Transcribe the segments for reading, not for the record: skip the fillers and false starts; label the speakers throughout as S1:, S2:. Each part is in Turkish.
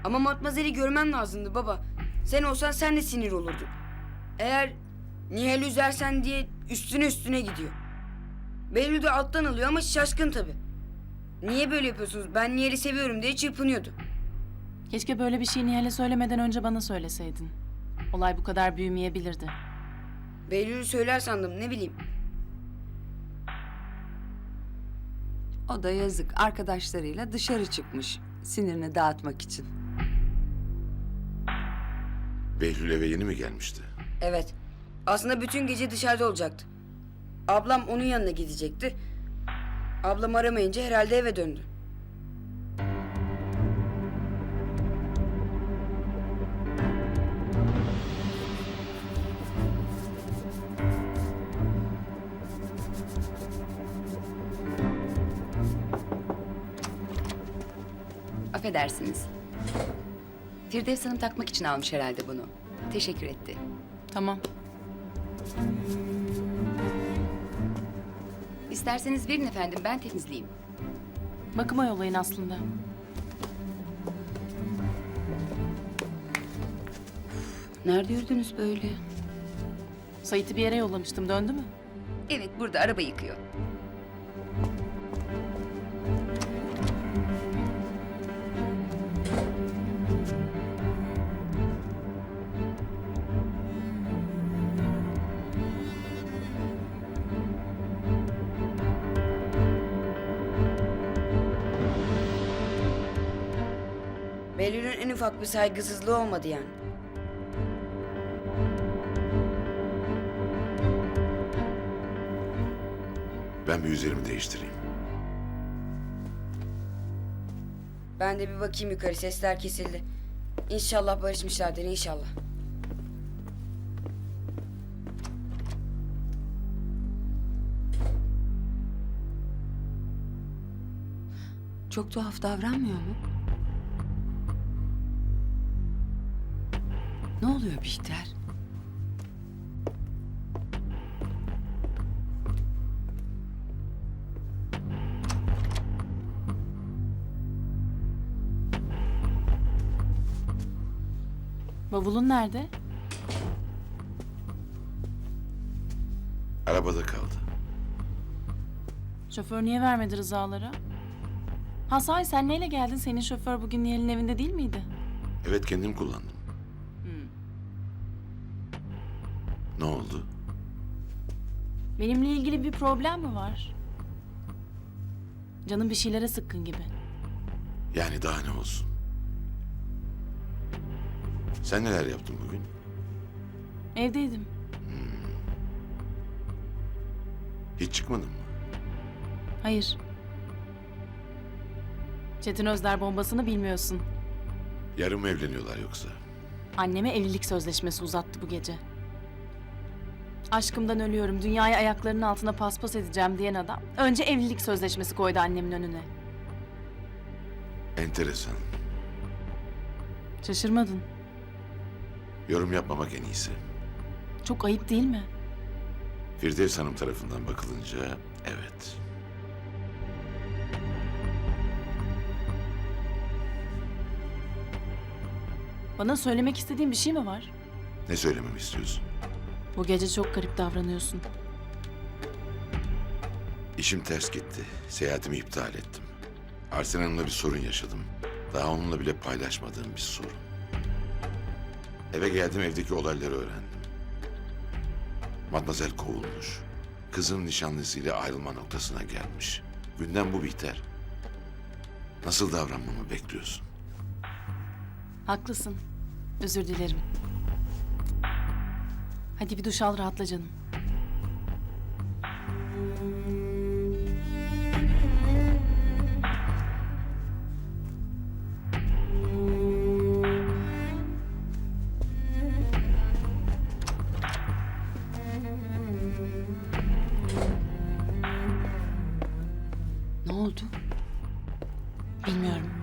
S1: Ama Matmazel'i görmen lazımdı baba. Sen olsan sen de sinir olurdun. Eğer Nihal'i üzersen diye üstüne gidiyor. Behlül de alttan alıyor ama şaşkın tabii. Niye böyle yapıyorsunuz? Ben Nihal'i seviyorum diye çırpınıyordu.
S2: Keşke böyle bir şey Nihal'e söylemeden önce bana söyleseydin. Olay bu kadar büyümeyebilirdi.
S1: Behlül'ü söyler sandım, ne bileyim.
S3: O da yazık, arkadaşlarıyla dışarı çıkmış sinirini dağıtmak için.
S4: Behlül eve yeni mi gelmişti?
S1: Evet. Aslında bütün gece dışarıda olacaktı. Ablam onun yanına gidecekti. Ablam aramayınca herhalde eve döndü.
S5: Affedersiniz. Firdevs Hanım takmak için almış herhalde bunu. Teşekkür etti.
S2: Tamam.
S5: İsterseniz verin efendim, ben temizleyeyim.
S2: Bakıma yollayın aslında.
S5: Nerede yürüdünüz böyle?
S2: Sait'i bir yere yollamıştım. Döndü mü?
S5: Evet, burada araba yıkıyor.
S1: Behlül'ün en ufak bir saygısızlığı olmadı yani.
S4: Ben bir üzerimi değiştireyim.
S1: Ben de bir bakayım yukarı, sesler kesildi. İnşallah barışmışlardır, inşallah.
S3: Çok tuhaf davranmıyor mu? Ne oluyor Bihter?
S2: Bavulun nerede?
S4: Arabada kaldı.
S2: Şoför niye vermedi rızalara? Ha sahi sen neyle geldin? Senin şoför bugün Nihal'in evinde değil miydi?
S4: Evet, kendim kullandım. Ne oldu?
S2: Benimle ilgili bir problem mi var? Canım bir şeylere sıkkın gibi.
S4: Yani daha ne olsun? Sen neler yaptın bugün?
S2: Evdeydim.
S4: Hiç çıkmadın mı?
S2: Hayır. Çetin Özder bombasını bilmiyorsun.
S4: Yarın mı evleniyorlar yoksa?
S2: Anneme evlilik sözleşmesi uzattı bu gece. Aşkımdan ölüyorum, dünyayı ayaklarının altına paspas edeceğim diyen adam... ...önce evlilik sözleşmesi koydu annemin önüne.
S4: Enteresan.
S2: Şaşırmadın.
S4: Yorum yapmamak en iyisi.
S2: Çok ayıp değil mi?
S4: Firdevs Hanım tarafından bakılınca evet.
S2: Bana söylemek istediğin bir şey mi var?
S4: Ne söylememi istiyorsun?
S2: Bu gece çok garip davranıyorsun.
S4: İşim ters gitti. Seyahatimi iptal ettim. Arsen Hanım'la bir sorun yaşadım. Daha onunla bile paylaşmadığım bir sorun. Eve geldim, evdeki olayları öğrendim. Matmazel kovulmuş. Kızın nişanlısıyla ayrılma noktasına gelmiş. Gündem bu Bihter. Nasıl davranmamı bekliyorsun?
S2: Haklısın. Özür dilerim. Hadi bir duş al, rahatla canım.
S3: Ne oldu?
S2: Bilmiyorum.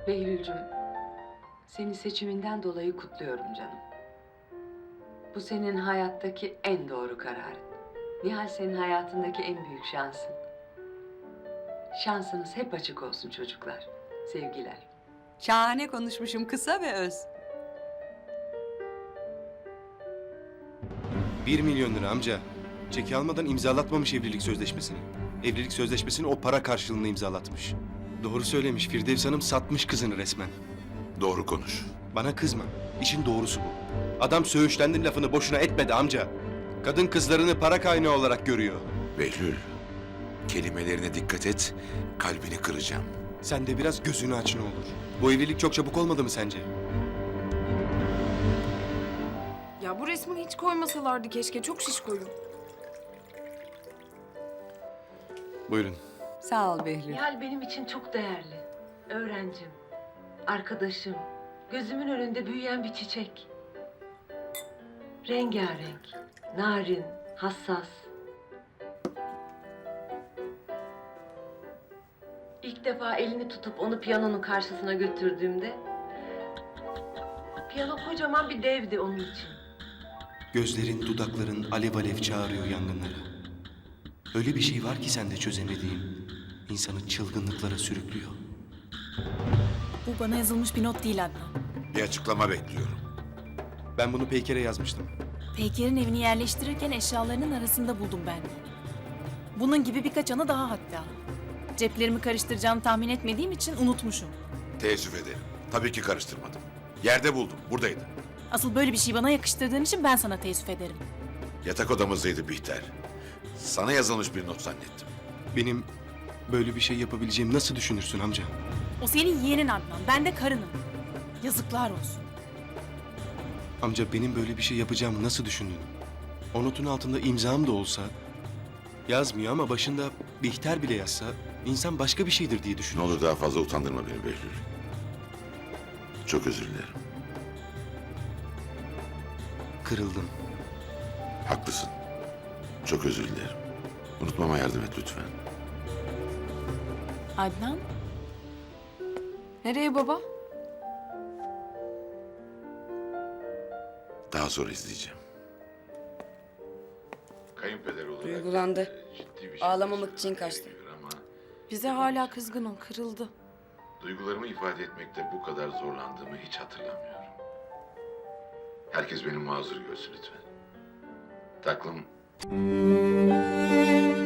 S3: Behlül'cüm, seni seçiminden dolayı kutluyorum canım. Bu senin hayattaki en doğru kararın. Nihal senin hayatındaki en büyük şansın. Şansınız hep açık olsun çocuklar. Sevgiler. Şahane konuşmuşum, kısa ve öz.
S6: 1 milyon lira amca. Çeki almadan imzalatmamış evlilik sözleşmesini. Evlilik sözleşmesini o para karşılığında imzalatmış. Doğru söylemiş, Firdevs Hanım satmış kızını resmen.
S4: Doğru konuş.
S6: Bana kızma, işin doğrusu bu. Adam söğüşlendin lafını boşuna etmedi amca. Kadın kızlarını para kaynağı olarak görüyor.
S4: Behlül, kelimelerine dikkat et, kalbini kıracağım.
S6: Sen de biraz gözünü aç ne olur. Bu evlilik çok çabuk olmadı mı sence?
S7: Ya bu resmi hiç koymasalardı keşke. Çok şişkoyum.
S6: Buyurun.
S3: Sağ ol Behlül.
S8: Nihal benim için çok değerli. Öğrencim, arkadaşım, gözümün önünde büyüyen bir çiçek. Rengarenk, narin, hassas. İlk defa elini tutup onu piyanonun karşısına götürdüğümde... ...piyano kocaman bir devdi onun için.
S6: Gözlerin, dudakların alev alev çağırıyor yangınlara. Öyle bir şey var ki sende çözemediğim. İnsanı çılgınlıklara sürüklüyor.
S2: Bu bana yazılmış bir not değil Adnan.
S4: Bir açıklama bekliyorum.
S6: Ben bunu Peyker'e yazmıştım.
S2: Peyker'in evini yerleştirirken eşyalarının arasında buldum ben. Bunun gibi birkaç anı daha hatta. Ceplerimi karıştıracağını tahmin etmediğim için unutmuşum.
S4: Teessüf ederim. Tabii ki karıştırmadım. Yerde buldum, buradaydı.
S2: Asıl böyle bir şey bana yakıştırdığın için ben sana teessüf ederim.
S4: Yatak odamızdaydı Bihter. Sana yazılmış bir not zannettim.
S6: Benim böyle bir şey yapabileceğimi nasıl düşünürsün amca?
S2: O senin yeğenin Adnan, ben de karınım. Yazıklar olsun.
S6: Amca benim böyle bir şey yapacağımı nasıl düşündün? O notun altında imzam da olsa... Yazmıyor ama başında Bihter bile yazsa... insan başka bir şeydir diye
S4: Ne
S6: düşünür.
S4: olur daha fazla utandırma beni Behlül. Çok özür dilerim.
S6: Kırıldım.
S4: Haklısın. Çok özür dilerim. Unutmama yardım et lütfen.
S2: Adnan,
S7: Nereye baba?
S4: Daha sonra izleyeceğim. Kayınpeder olarak
S1: Duygulandı.
S4: ciddi bir şey
S1: Ağlamamak için kaçtı.
S4: ama
S7: Bize hala kızgın o. Kırıldı.
S4: duygularımı ifade etmekte bu kadar zorlandığımı hiç hatırlamıyorum. Herkes beni mazur görsün lütfen. Taklım